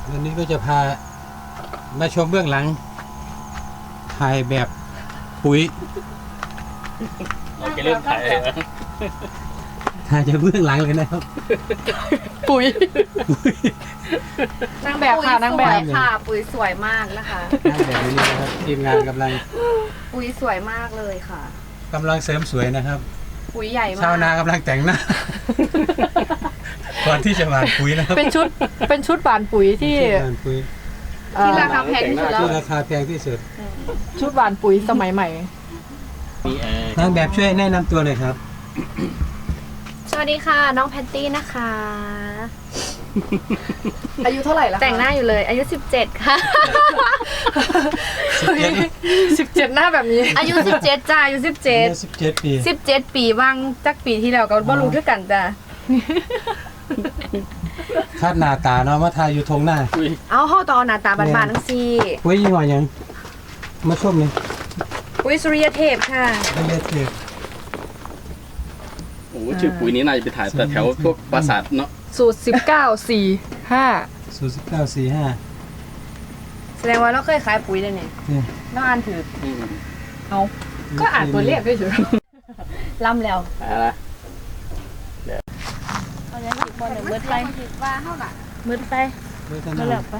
วันนี้ก็จะพามาชมเบื้องหลังถ่ายแบบปุ๋ยเราไปเริ่มถ่ายเลยนะถ่ายจากเบื้องหลังเลยนะครับปุ๋ยนางแบบค่ะนางแบบสวยค่ะ ปุ๋ยสวยมากนะคะถ่ายแบบนี้นะครับทีมงานกำลังปุ๋ยสวยมากเลยค่ะเสริมสวยนะครับปุ๋ยใหญ่มากชาวนากำลังแต่งหน้า ก่อนที่จะหว่านปุ๋ยนะครับเป็นชุดบานปุ๋ยที่หว่านปุ๋ยที่ราคาแพงที่สุดแล้วที่ราคาแพงที่สุดชุดบานปุ๋ยสมัยใหม่มีแอร์นางแบบช่วยแนะนำตัวเลยครับสวัสดีค่ะ น้องแพตตี้นะคะอายุเท่าไหร่แล้วแต่งหน้าอยู่เลยอายุ 17 ค่ะ 17หน้าแบบนี้อายุ 17 จ้าอายุ 17 ปี 17 ปีว่างจักปีที่แล้วก็บ่รู้คือกันจ้ะคาดหน้าตาเนาะมาทายอยู่ทงหน้าอุ้ยเอาเฮาตอนหน้าตาบานๆทั้งซี่ปุ๋ยยี่ห้อหยังมาชมเลยปุ๋ยสุริยเทพค่ะไม่เลือกเลือกโอ้โหชื่อปุ๋ยนี้น่าจะไปถ่ายแต่แถวพวกปราสาทเนาะสูตร1945 0945 แสดงว่าเราเคยขายปุ๋ยเลยนี่เนี่ยน้องอ่านถืออืมเอาก็อ่านตัวเลขด้วยเฉยล่ำแล้วอะไรนะเอาอย่างนี้บ่ได้มืดไปว่าเฮาน่ะมืดไปเลือกมืดแล้วไป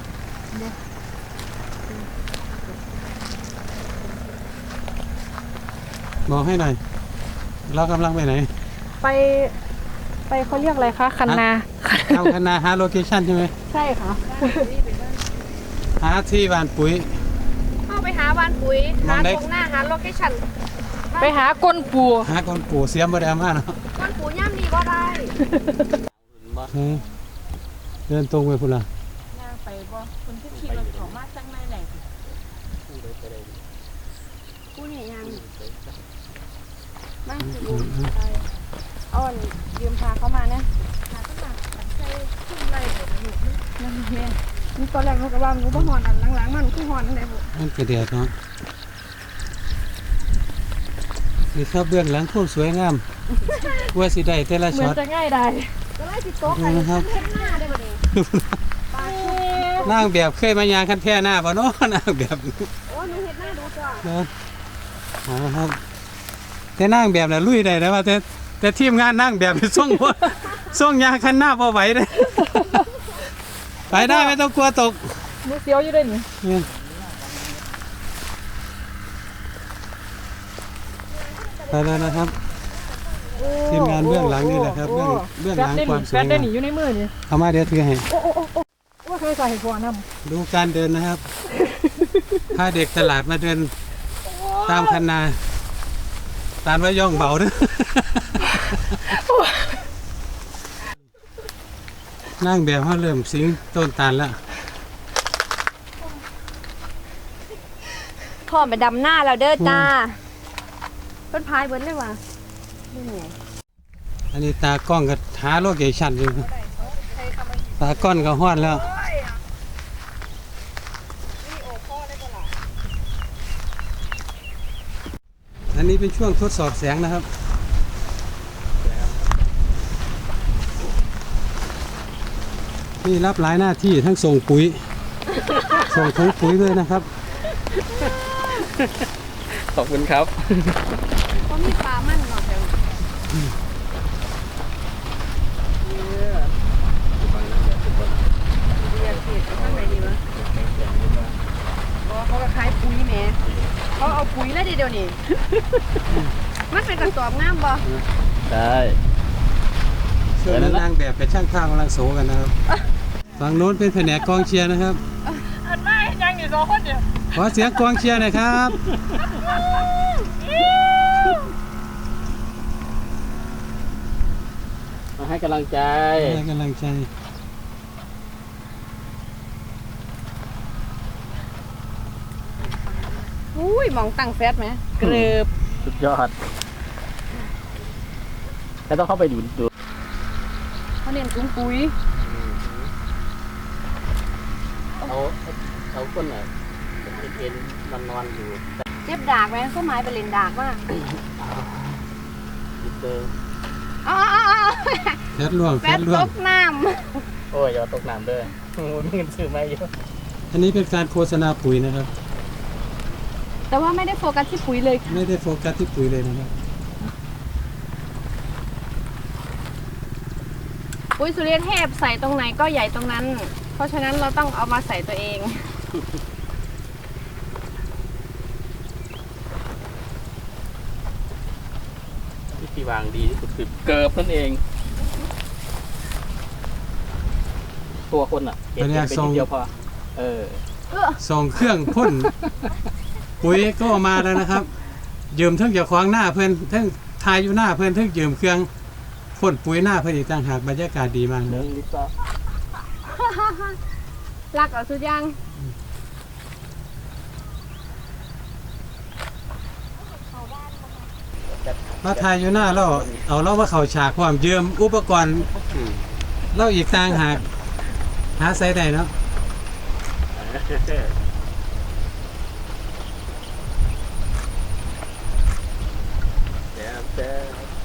บอกให้หน่อย เรากำลังไปไหนไปเขาเรียกอะไรคะคันนาเอาคณะหาโลเคชั่นใช่ไหมใช่ค่ะหาที่หว่านปุ๋ยเข้าไปหาบ้านปุ๋ยมอหางได้ตรงหน้าหาโลเคชั่นไปหาก้นปูหาคนปู่เสียมบ่ได้เอามาเนาะบ้านปุ๋ยย่ำนี่ก็ได้เออเดินตรงไปพุ่นละย่างไปบ่คนที่ขี่รถเขามาจังไม่แหล่งกูเนี่ยยังมาสิลูกไปอ้อนยืมพาเขามานะพาเขามาใส่ขึ้นไรเดี๋ยวลูกนั่นแม่นี่ตอนแรกเขาก็ว่ามันบ่ฮอนอันหลังๆมันคือฮอนนั่นแหละบุมันกระเดียดเนาะนี่ครับเบื้องหลังโคตรสวยงามว่าสิได้แต่ละเหมืช็ออน ตจะง่ายได้ก็ไล่สิโต๊ะดูใครนะครับเฮ็ดหน้าได้บ่นี่ปลาชุบนางแบบเคยมายางคันแท่หน้าบ่เนาะนางแบบโอ้หนูเฮ็ดหน้าดูจ้ะเนาะเอาละครับ แต่นางแบบน่ะลุยได้นะว่าแต่ทีมงานนางแบบนี่ส่งบ่ส่งยางคันหน้าบ่ไหวเด้ไปได้ไม่ต้องกลัวตกมือเสียวอยู่ด้วยนี่เนี่ยไปแล้วนะครับ ทีมงานเบื้องหลังนี่แหละครับเบื้องหลังความสวยแฟนได้งามหนีอยู่ในมือนี่เอามาเดี๋ยวถือให้ว่าเคยใส่หัวนำดูการเดินนะครับ พาเด็กตลาดมาเดินตามคันนาตามว่าย่องเบาเด้อนั่งแบบเขาเริ่มสิงต้นตาลแล้วพ่อไปดำหน้าแล้วเด้อจ้าเพิ่นพายเบิ่นเลยว่ะนี่ไงอันนี้ตากล้องก็หาโลเคชั่นอยู่ครับตากล้องก็ฮอดแล้ว อันนี้เป็นช่วงทดสอบแสงนะครับ นี่รับหลายหน้าที่ทั้งส่งปุ๋ย ส่งถุงปุ๋ยด้วยนะครับขอบคุณครับเขามีปลามั่นเนาะแถวเรียกผิดไปข้างไหนดีวะเขาก็ขายปุ๋ยแหมเขาเอาปุ๋ยแล้วเดี๋ยวนี้มันเป็นกระสอบงามบ่ได้ส่วนนางแบบกับช่างภาพกำลังโสกันนะครับ ฝั่งโน้นเป็นแผนกกองเชียร์นะครับอันไม่ยังอยู่2คนเนี่ยขอเสียงกองเชียร์หน่อยครับมาให้กำลังใจให้กำลังใจอุ้ยมองตั้งแฟตไหมเกลือบสุดยอดแล้วต้องเข้าไปดูเขาเน้นถุงปุ๋ยเอาก้นอ่ะเอ็นนอนอยู่เจ็บดากไหมเขาไม้ไปเล่นดากมากเจออ๋อแฟดล่วงแฟแฟตดล่วตงกน้โอ้ยอย่าตกน้ำเด้อำโอ้มีเงินซื้อมาเยอะอันนี้เป็นการโฆษณาปุ๋ยนะครับแต่ว่าไม่ได้โฟกัสที่ปุ๋ยเลยค่ะไม่ได้โฟกัสที่ปุ๋ยเลยนะครับปุ๋ยสุริยเทพใส่ตรงไหนก็ใหญ่ตรงนั้น เพราะฉะนั้นเราต้องเอามาใส่ตัวเองวิธีวางดีที่สุดคือเกิบนั่นเอง ตัวคนอ่ะเก็บไปนิดเดียวพอเออส่งเครื่องพ่น ปุ๋ยก็ออกมาแล้วนะครับ ยืมเทั้งอย่าขวางหน้าเพื่อนเทั้งทายอยู่หน้าเพื่อนเทั้งยืมเครื่องพ่นปุ๋ยหน้าเพื่อนอีกต่างหากบรรยากาศดีมากเรื่นะองลิซ่ารักเอาสุดยังมาทายอยู่หน้าเราเอาเราว่าเขาฉากความยืมอุปกรณ์เราอีกต่างหากหาใส่ได้เนาะเดี๋ยวเจอ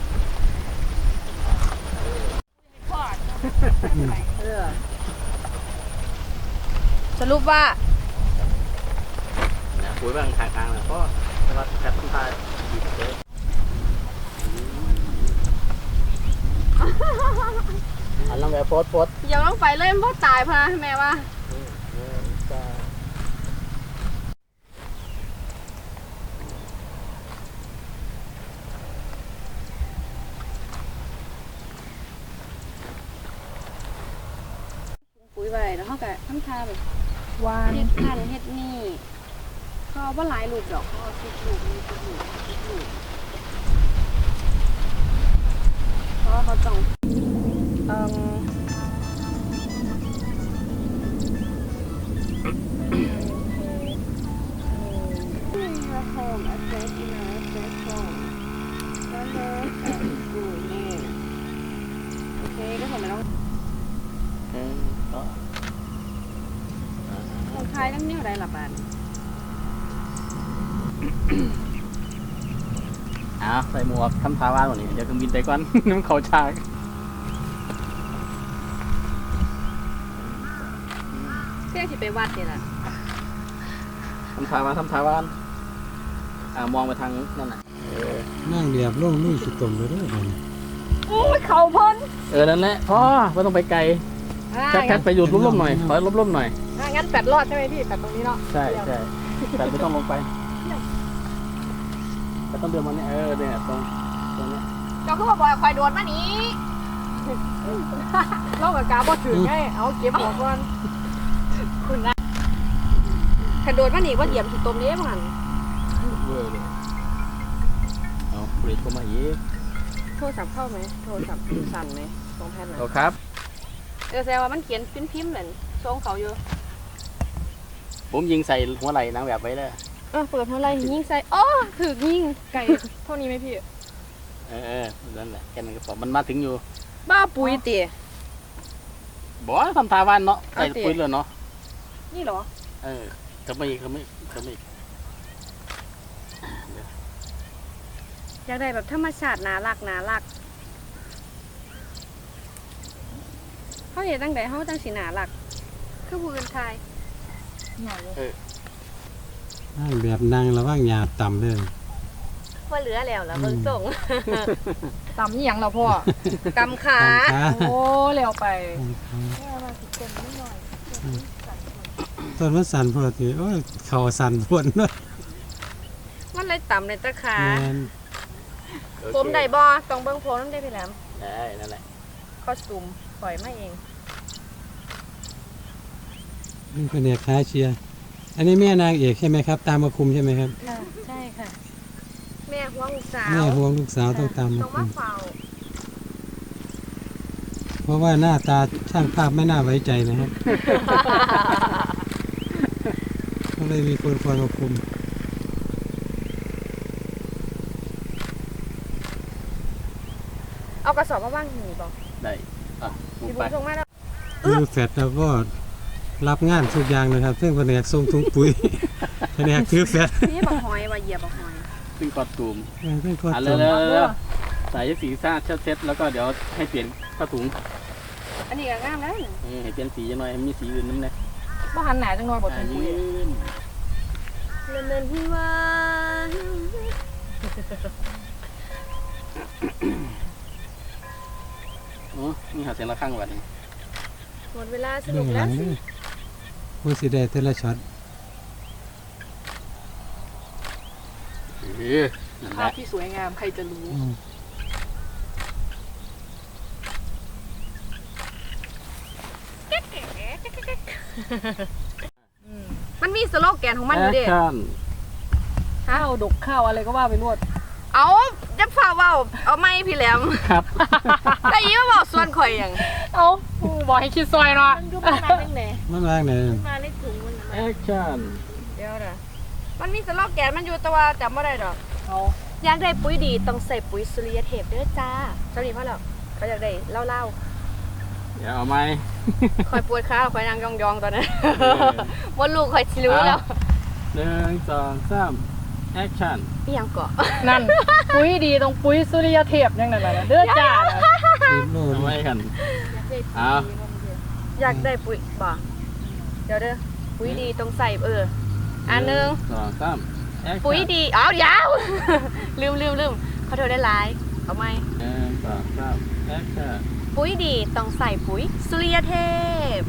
สรุปว่าเนี่ยปุ๋ยบางทางกลางนะก็แต่ว่าจัดต้นทายดีเจ๊อันนั้นแบบโพสอย่าต้องไปเลยมันพ่อตายพะแม่ว่าปุ๋ยไปแล้วเขาก็ทำทาแบบวานเฮ็ดนั่นเฮ็ดนี่เขาว่าหลายลูกดอกเขาเอา10 ลูกมี10 ลูก10 ลูกเพราะว่าเขาต้องhome address in our address form number and school name โอเคก็ผมไม่ต้องก็ลงท้ายน้ำเนี้ยได้หลับบ้านใส่หมวกทำทาว่านวันนี้เดี๋ยวเครื่องบินไปก่อน น้ำเขาฉากเพื่อที่ไปวัดนี่แหละทำทาว่านมองไปทางนั่นน่ะนั่งเรียบล่งลุยสุดตมเลยเด้อผมโอ้ยเขาพ้นนั่นแหละพ่อไม่ต้องไปไกลแค่ไปอยู่ร่มๆหน่อยขอร่มๆหน่อยงั้นแปดรอดใช่ไหมพี่แปดตรงนี้เนาะใช่แต่ไม่ต้องลงไปแต่ต้องเดินมาเนี่ยเนี่ยตรงเนี้ยเจ้าก็บอกว่าคอยโดนมานี้โลกกับกาบอถือไงเอาเก็บหัวก่อนคุณนะขันโดนมานี้ว่าเหยียบที่ตรงนี้มั้งเวอร์เลยเอาเบรกเข้ามาอีกโทรศัพท์เข้าไหมโทรศัพท์สั่นไหมตรงแผ่นน่ะเอาครับแสดงว่ามันเขียนพิมพ์เลยทรงเขาอยู่ผมยิงใส่หัวไหล่นางแบบไว้เลยเปิดเท่าไรยิงใส่อ๋อถือยิงไก่เท่านี้ไหมพี่นั่นแหละแค่นั้นก็พอมันมาถึงอยู่บ้าปุ๋ยเตี๋ยบอกว่าทำทาว่านเนาะใส่ปุ๋ยเลยเนาะนี่เหรอเขาไม่อยากได้แบบธรรมชาติน่ารักเขาเห็นตั้งแต่เขาตั้งสีน่ารักคือผู้อื่นไทยนั่งแบบนั่งระว่างหยาต่ำเลยว่าเหลือแล้วล่ะเบิ่งส่งต่ำนี่ยังเราพ่อกำขาขาโอ้เร็วไปต้นมันสั่นพอดีโอ้ยเข่าสั่นพวนเนาะมันเลยต่ำเลยตะขาแม่นผมได้บ่ต้องเบิ่งผมได้พี่แหลมได้นั่นแหละคอสตูมปล่อยมาเองนี่เป็นเอกค้าเชียร์อันนี้แม่นางเอกใช่ไหมครับ ตามมาคุมใช่ไหมครับค่ะใช่ค่ะแม่ห่วงลูกสาวแม่ห่วงลูกสาวต้องตามมาต้องคุมาม เฝ้าเพราะว่าหน้าตาช่างภาพไม่น่าไว้ใจนะครับ ก็เลยมีคนคอยมาคุมเอากระสอบมาว่างหีบ่ได้มุที่กผไปมส่งมาแล้วคือแฟดแล้วก็รับงานทุกอย่างนะครับ ซึ่งแผนกส่งถุงปุ๋ย แผนกถือแฟดนี่บักหอยว่าเหยียบบักหอยซึ่งคอตูมซึ่งก็เร็วใส่สีซ่าเช็ดแล้วก็เดี๋ยวให้เปลี่ยนผ้าถุงอันนี้ก็งามแล้วนี่ให้เปลี่ยนสีจังหน่อยให้มีสีอื่นนำแน่บ่หันหน้าจังหน่อยบ่ถึงยืปุ๋ยนเนินที่ว่านี่หาเสียงระฆังบัดนี้หมดเวลาสเบื้นุอก งหแล้ลัวงนี่ผู้สิได้แต่ละช็อตนั่นแหภาพละที่สวยงามใครจะรู้อืมมันมีสโลแกนของมันอยู่แอเด้คชั่นข้าวดกข้าวอะไรก็ว่าไปรวดเอาจะฝ่าเว้าเอาไม้พี่แหลมครับแต่อีมาบอกส่วนข่อยหยังเอาบอกให้คิดซอยเนาะมันอยู่มาจังได๋มันวางไหนมาในถุงมันแอคชั่นเดี๋ยวนะมันมีสโลแกนมันอยู่แต่ว่าจำบ่ได้ดอกเอาอยากได้ปุ๋ยดีต้องใส่ปุ๋ยสุริยเทพเด้อจ้าเจ้านี่พ่อแล้วเขาอยากได้เล่าเดี๋ยวเอาไหมๆคอยปวดขาคอยนั่งยองๆตอนนั้นว่าลูกคอยสิรู้แล้ว 1 2 3แอคชั่นพี่ยังเกาะนั่น ปุ๋ยดีตรงปุ๋ยสุริยเทพยังนั่นน่ะเด้อจ้าน่ะรีบโลดเอาไว้กัน เอาอยากได้ปุ๋ยบ่เดี๋ยวเด้อปุ๋ยดีต้องใส่อันหนึง 2 3แอคชั่นปุ๋ยดีอ้าวยาว ลืมขอโทษได้หลายเอาไหม 1 2 3แอคชั่นปุ๋ยดีต้องใส่ปุ๋ยสุริยเทพ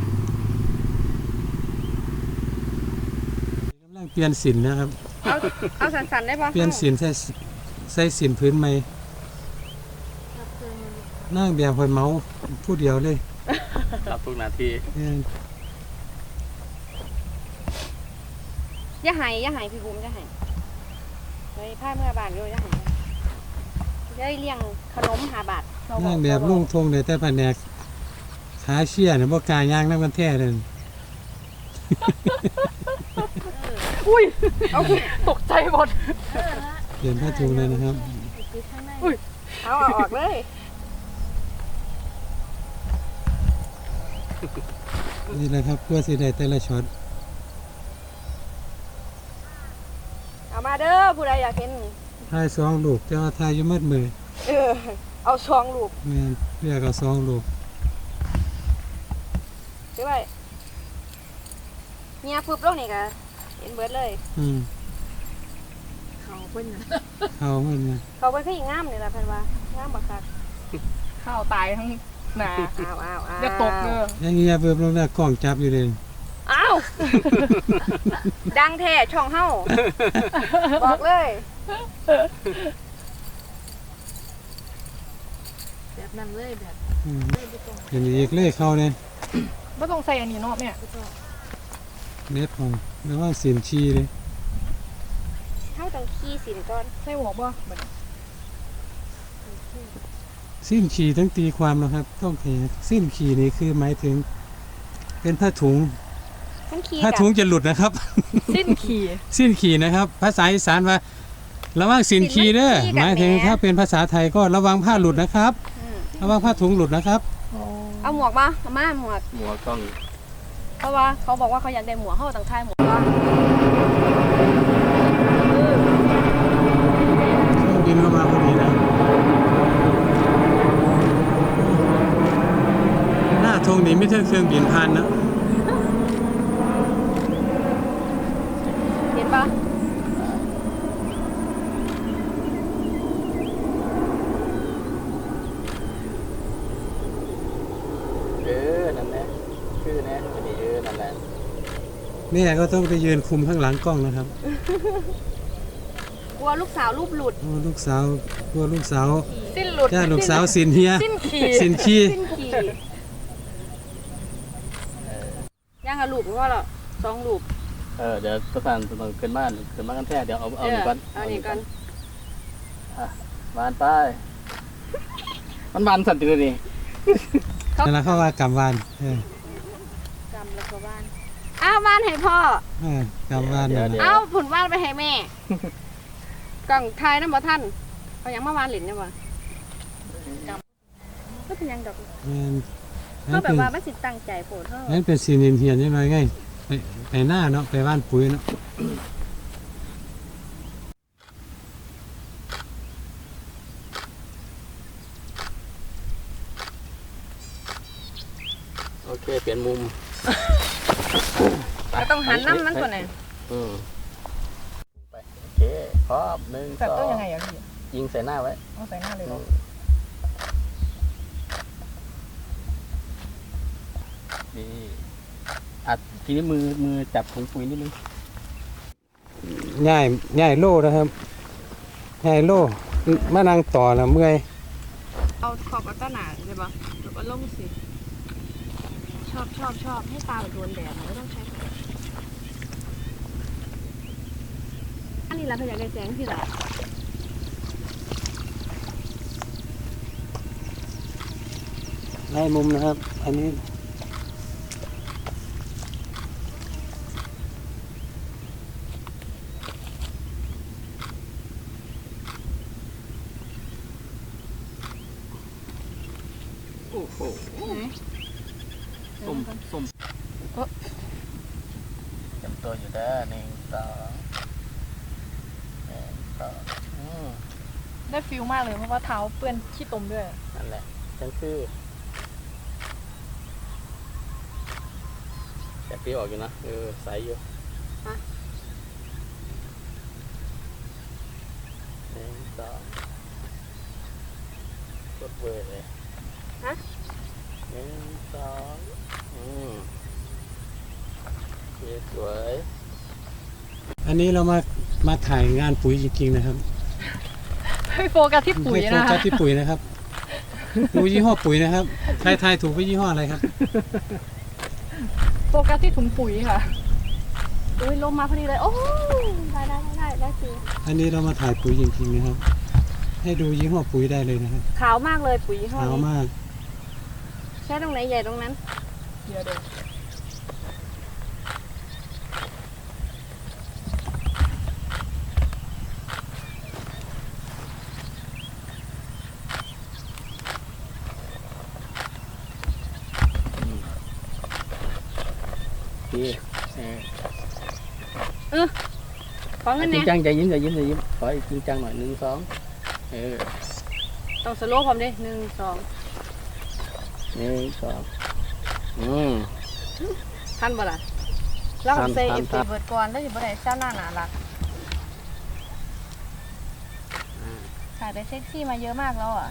กำลังเปลี่ยนสินนะครับเอาสันๆได้ปะเปลี่ยนสินใส่สินพื้นใหม่นั่งแบบหอยเมาผู้เดียวเลยรับทุกนาทีเอออย่าหายพี่บุ๋มอย่าหายเลยผ้าเมื่อบานอยู่อย่าหายได้เลี้ยงขนม5 บาทนั่งแบบลุ่งทงเลยแต่แผนกขาเชี่ยเนี่ยบ่กล้าย่างน้ำกันแท้เลยอุ้ยตกใจหมดเปลี่ยนผ้าถุงเลยนะครับเอาออกเลยนี่แหละครับเพื่อสิได้แต่ละช็อตเอามาเด้อผู้ใดอยากเห็นทาย2ลูกแต่ว่าทายอยู่มืดมือเอาช่องลูกแม่นเรียกเอา2ลูกซื้อไปเมียปุ๊บลงนี่ก็เห็นเบิดเลยอืมเขาเพิ่นเอามันนะเขาเพิ่นคืออีงามนี่ล่ะเพิ่นว่างามบักคักข้าวตายทั้งหนาอ้าวอย่าตกเด้ออย่างเงี้ยเบิ่มลงแล้วกล้องจับอยู่เลยอ้าวดังแท้ช่องเฮาบอกเลย แบบนั้นเลยแบบอืมเห็นอีกเลขเข้าเนี่ยบ่ต้องใส่อันนี้เนาะแม่เน็ตของแล้วว่าสินชีเลยเฮาต้องขี้สินก่อนใส่หมวกบ่บัดนี้สิ้นขีต้องตีความนะครับ ต้องเห็นสิ้นขีนี่คือหมายถึง เป็นผ้าถุงต้องขี้ผ้ากัถุงจะหลุดนะครับสิ้นขี่สิ้นขีนะครับ ภาษาอีสานว่าระวังสินขีเด้อหมายถึงถ้าเป็นภาษาไทยก็ระวังผ้าหลุดนะครับ ระวังผ้าถุงหลุดนะครับเอาหมวกมาเอามาหมวกหัวกล้องเพราะว่าเขาบอกว่าเขาอยากได้หมวกเฮาต้องทายหมวกก่อนเครื่องบินเข้ามาพอดีนะหน้าธงนี้ไม่ใช่เครื่องบินผ่านนะเห็นปะนั่นแหละชื่อแน่อันนี้นั่นแหละแม่ก็ต้องไปยืนคุมข้างหลังกล้องนะครับกลัวลูกสาวรูปหลุดโอ้ลูกสาวกลัวลูกสาวสิ้นหลุดจ้าลูกสาวสินเฮียสิ้นขี่สินขี้สิ้นขี่ย่างกับลูกก็ละ2 ลูกเดี๋ยวประสานต้องขึ้นบ้านกันแท้เดี๋ยวเอาหนึ่งก่อนเอานี่ก่อนบ้านไปมันบานสั่นตัวนี้นั่นแหละเขาว่ากำวานเออกำแล้วก็บ้านอ้าวบ้านให้พ่อกำวานนั่นแหละเอาผุนบ้านไปให้แม่ กล่องทายน้ำบ่ท่านเอาหยังมาบ้านหลินเนี่ยบ่ก็เป็นหยังดอกแม่นเขานั่นแบเป็บนว่ามันสิตั้งใจโพดเท่านั่นเป็นสินเฮียนใช่ไหมไงไปหน้าเนาะไปบ้านปุ๋ยเนาะเปลี่ยนมุมก็ต้องหันน้ำมันก่อนนะไปโอเคพร้อม1 2 แบบต้องยังไงอ่ะพี่ยิงใส่หน้าไว้เอาใส่หน้าเลยเหรอนี่ทีนี้มือจับถุงปุ๋ยนิดนึงง่ายโล่นะครับง่ายโล่มานั่งต่อแล้วเมื่อยเอาขอบกับต้นหนาใช่ปะแล้วก็ลงสิชอบให้ตาแบบโดนแดดไม่ต้องใช้อันนี้เราพยายามได้แสงที่ละได้มุมนะครับ อันนี้โอ้โหส้มจำตัวอยู่ได้1 2 ได้ฟิลมากเลยเพราะว่าเท้าเปื้อนขี้ตมด้วยนั่นแหละจังคือแต่พี่ออกอยู่นะใสอยู่1 2กดเวอร์เลย1 2สวยอันนี้เรามาถ่ายงานปุ๋ยจริงๆนะครับให้โฟกัสที่ปุ๋ยไม่โฟนะกัคะสที่ปุ๋ยนะครับดูยี่ห้อปุ๋ยนะครับใครทายถูกว่ายี่ห้ออะไรครับโฟกัสที่ถุงปุ๋ยค่ะอุ้ยลมมาพอดีเลยโอ้ได้สิอันนี้เรามาถ่ายปุ๋ยจริงๆนะครับ ให้ดูยี่ห้อปุ๋ยได้เลยนะครับขาวมากเลยปุ๋ยห้อขาวนี้มากใช้ตรงไหนใหญ่ตรงนั้นเดี๋ยวพี่ของเงินจริเนี่งยจังใจยิ้มขออีกจริงจังหน่อย1 2 ต้องสโลว์ผมดิ1 2 1 2 ทันบ่ล่ะแล้วผมเซทัเอน ฟครัซีบเบิร์ดก่อนแล้วอยู่บ่ได้เจ้าหน้าหนาละถ่ายไปเซ็กซี่มาเยอะมากแล้วอ่ะ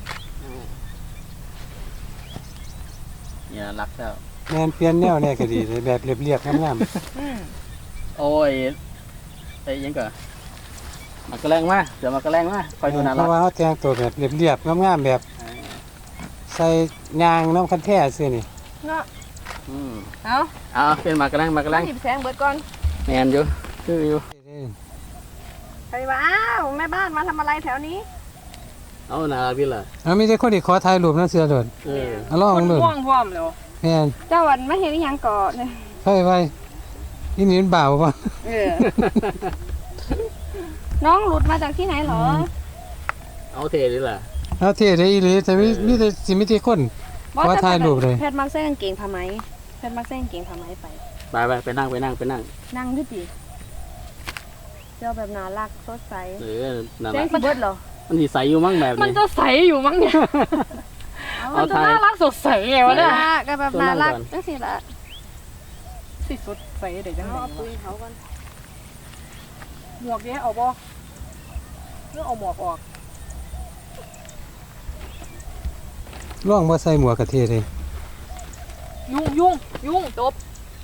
อย่ารักแล้วแมนเปลี่ยนแนวเนี่ยก็ดีเลยแบบเรียบๆงามโอ้ยไอ้ยังก่อนมากระแรงมาเดี๋ยวมากระแรงมาคอยดูๆน่าเพรักราะว่าเขาแต่งตัวแบบเรียบๆงามๆแบบใส่ยางน้ำคันแท้ซื้อนี่เนาะเอาเอาเป็นมากระแรงมาหยิบแสงเบิร์ดก่อนแมนอยู่คืออยู่ไปว่าอ้าวแม่บ้านมาทำอะไรแถวนี้เอาน่ารักดีล่ะเอามีแต่คนที่ขอถ่ายรูปนั่นเสือโดดเอาลองคนดูม่วงพร้อมแล้วแม่นเจ้าวันไม่เห็นยังก่อนเลยเฮ้ยไว้นี่นี่มันบ่าวป่ะน้องหลุดมาจากที่ไหนหรอเอาเทดีล่ะเอาเท่ได้อีหลีแต่มีแต่สิมีแต่คน ขอถ่ายรูปเลยแพทย์มักใส่กางเกงผ้าไหมแพทย์มักใส่กางเกงผ้าไหมไปไปนั่งนั่งด้วยดิเจ้าแบบน่ารักสดใสน่าแสรังกสีเบิร์ดเหรอมันสีใสอยู่มั้งแบบมันนี้จะใสอยู่มั้งเนี่ย มันจะน่ารักสดใสไงวะเนี่ยก็แบบน่ารักจังสิละสิสดใสเดี๋ยวจังเอาไงปุ๋ยเขาก่อนหมวกนี้เอาบ่เรื่องเอาหมวกออกร่องบ่ใส่หมวกกะเทเลยยุ่งจบ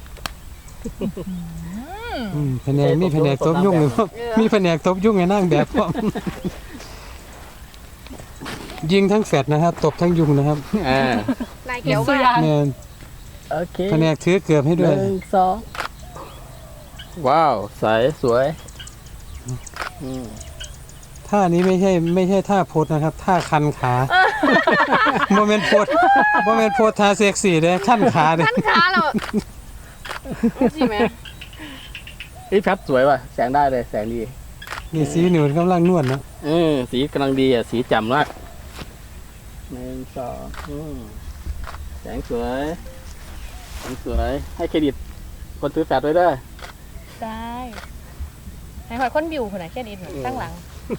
แผนกมีแผนกตบยุ่งเลยพ่อมีแผนกตบยุ่งไงนั่งแบบพ่อมยิงทั้งแฟดนะครับ ตบทั้งยุงนะครับลายเขียวมากแม่นโอเคแผนกถือเกือบให้ด้วย 1 2ว้าวใสสวยท่านี้ไม่ใช่ท่าโพสนะครับ ท่าคันขาโมเมนต์โพสท่าเซ็กซี่เลยขั้นขาเลยขั้นขาเราสิแม่พี่พัดสวยว่ะแสงได้เลยแสงดีนี่สีหนูกำลังนวดนะสีกำลังดีอ่ะสีแจ่มมาก1 2แสงสวยให้เครดิตคนซื้อแฟดไว้ด้วยได้ให้หอยคนบิวคนไหนแค่นี้หน่อยตั้งหลัง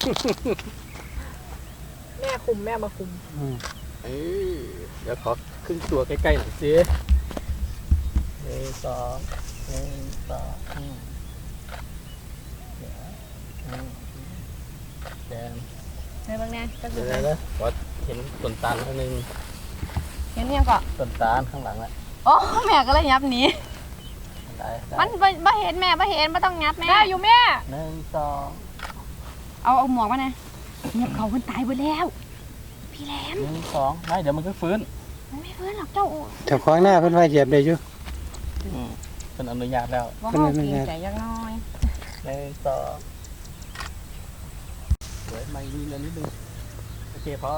แม่คุมแม่มาคุมเดี๋ยวขอครึ่งตัวใกล้ๆหน่อยสิ 1 2 1 2แดงในเบิ่งแน่จักเดี๋ดูยวเลยวัดเห็นต้นตาลข้างนึงเห็นยังก็ต้นตาลข้างหลังแหละโอ้แม่ก็เลยยับหนีได้มันบ่เห็นแม่บ่เห็นบ่ต้องยับแม่ได้อยู่แม่ 1 2 เอาหมวกมานะเงียบเขาเพิ่นตายไปแล้ว พี่แหลม 1 2ไม่เดี๋ยวมันก็ฟื้นมันไม่ฟื้นหรอกเจ้าแถวขวางหน้าเพิ่นว่าเหยียบได้อยู่เป็นอนุญาตแล้วว่าเฮาเกรงใจยักน้อย 1 2สวยมาอีกนิดนึงโอเคพอ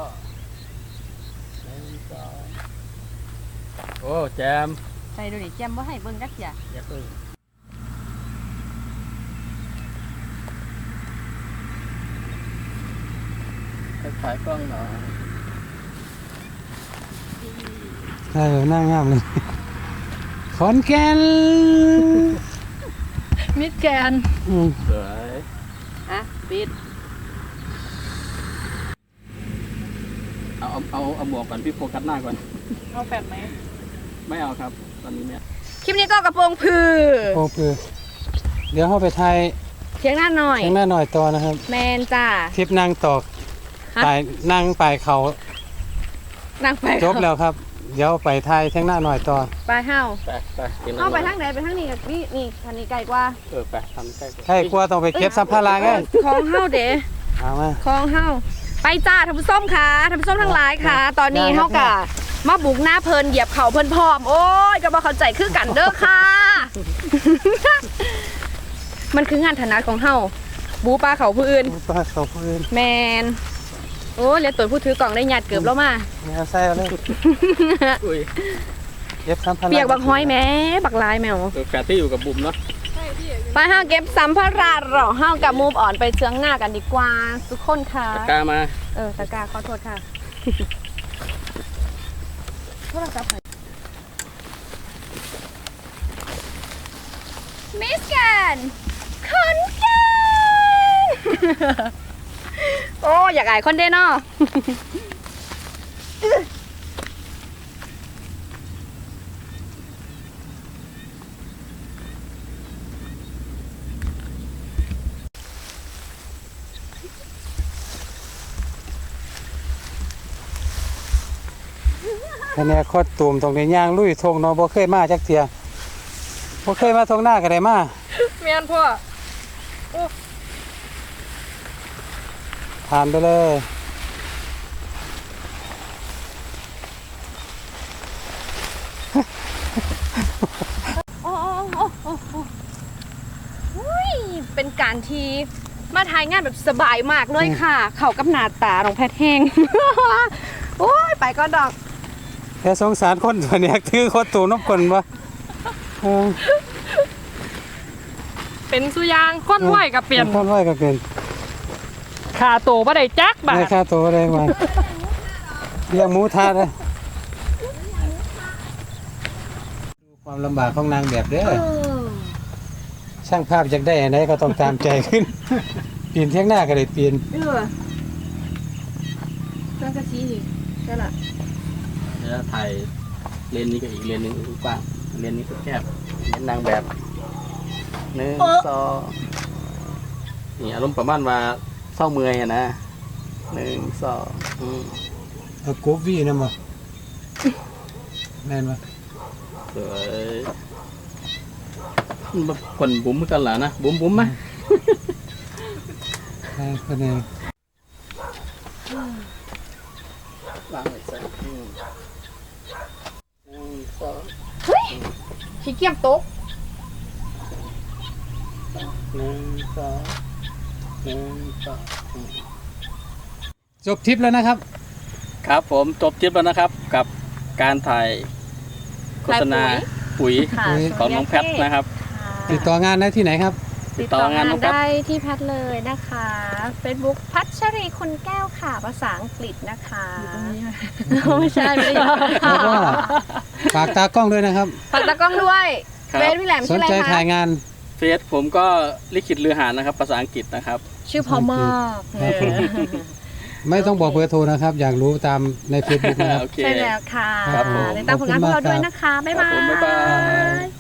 1 2โอ้แจมใส่ดูดิแจมบ่ให้เบิ่งจักเที่ยอย่าพึ่งถ่ายกล้องหน่อยได้เลยหน้างามเลยขอนแก่นมิดแกนสวยอ่ะปิดเอาหมวกก่อนพี่โฟกัสหน้าก่อนเอาแฟดไหมไม่เอาครับ ตอนนี้เนี่ยคลิปนี้ก็กระโปรงพือโอ้คือเดี๋ยวเข้าไปไทยเทียงหน้าหน่อยข้างหน้าหน่อยต่อนะครับแมนจ้าทริปนั่งตอกฮะปลายนั่งปลายเขานั่งไปจบแล้วครับ เดี๋ยวไปไทยข้างหน้าหน่อยต่อไปเฮาไปกินเฮาไปทางไหนไปทางนี้กับนี่คันนี้ไกลกว่าไปทำใกล้ใช่กลัวต้องไปเก็บสัมภาระไงของเฮาเด้เอามาของเฮาไปจ้าท่านผู้ชมค่ะท่านผู้ชมทั้งหลายค่ะ ตอนนี้ได้ครับเฮากะมาบุกหน้าเพลินเหยียบเขาเพลินพร้อม โอ้ยก็บ่เข้าใจคือกันเด้อค่ะ มันคืองานถนัดของเฮาบูปลาเขาผู้อื่นปลาเขาพื้นแมนโอ้เรียนตัวผู้ถือกล่องได้หยาดเกือบแล้วมาแมวใส่เอาเลยอุ้ยเก็บสัมภาระเปียกบักห้อยแม่บักลายแมวแฟนที่อยู่กับบุ๋มเนาะไปห้าเก็บสัมภาระหรอห้ากับมูฟอ่อนไปเชื้องหน้ากันดีกว่าทุกคนค่ะตะกร้ามาตะกร้าขอโทษค่ะโทรศัพท์มิสแกนคอนแกน โอ้อยากอายคนเด้เนาะคะแนนคดตูมตรงในย่างลุยทงเนาะบ่เคยมาจักเทียบ่เคยมาทงหน้าก็ได้มาแม่นพ่อผ่านไปเลยโอ้อุ้ยเป็นการที่มาถ่ายงานแบบสบายมากเลยค่ะ เข้ากับหน้าตาของแพทย์แห้ง โอ้ยไปก็ดอกแต่สงสารคนตัวเนี้ยคือคดตูมน้ำคนบ่เออเป็นสุยางค้นไหวกับเปลี่ยนคนไหวก็เป็นขาโตบ่ได้จักบาได้ทค่าตัวได้มาเลี้ยงหมูทาดเลยดูความลำบากของนางแบบเด้อช่างภาพอยากได้อันไหนก็ต้องตามใจขึ้น ปีนเที่ยงหน้าก็ได้ปีนเรื่องกระชี้นี่ใช่ละเดี๋ยวถ่ายเลนนี้กับอีกเลนหนึ่งกว้างเลนนี้ก็แคบเลนนางแบบ1 2นี่อารมณ์ประมาณว่าเศร้าเมื่อยอะนะ1 2 เอากบวีนะมาแม่นปะสวยมันคนบุ๋มเหมือนกันเหรอนะบุ๋มไหมใช่คนเองวางไว้ใส่1 2 เฮ้ยขี้เกียจตก 1 2 1 2 จบทริปแล้วนะครับครับผมจบทริปแล้วนะครับ กับการถ่ายโฆษณาปุ๋ยค่ะของน้องแพทนะครับติดต่องานได้ที่ไหนครับติดต่องานได้ที่แพทเลยนะคะ Facebook พัชรีคุณแก้วค่ะภาษาอังกฤษนะคะอยู่ตรงนี้ไม่ใช่ไม่ได้แล้วก็ฝากตากล้องด้วยนะครับฝากตากล้องด้วยครับเบสพี่แหลมสชื่นออะไรใจคะถ่ายงานเฟซผมก็ลิขิตเรือหานนะครับ ภาษาอังกฤษนะครับชื่อพอมากครับผม ไม่ต้องบอกเบอร์โทรนะครับ อยากรู้ตามใน Facebook นะครับโอเคใช่แล้วค่ะครับผมติดตามผลงานพวกเราด้วยนะคะ บ๊ายครับบาผมบ๊ายบายย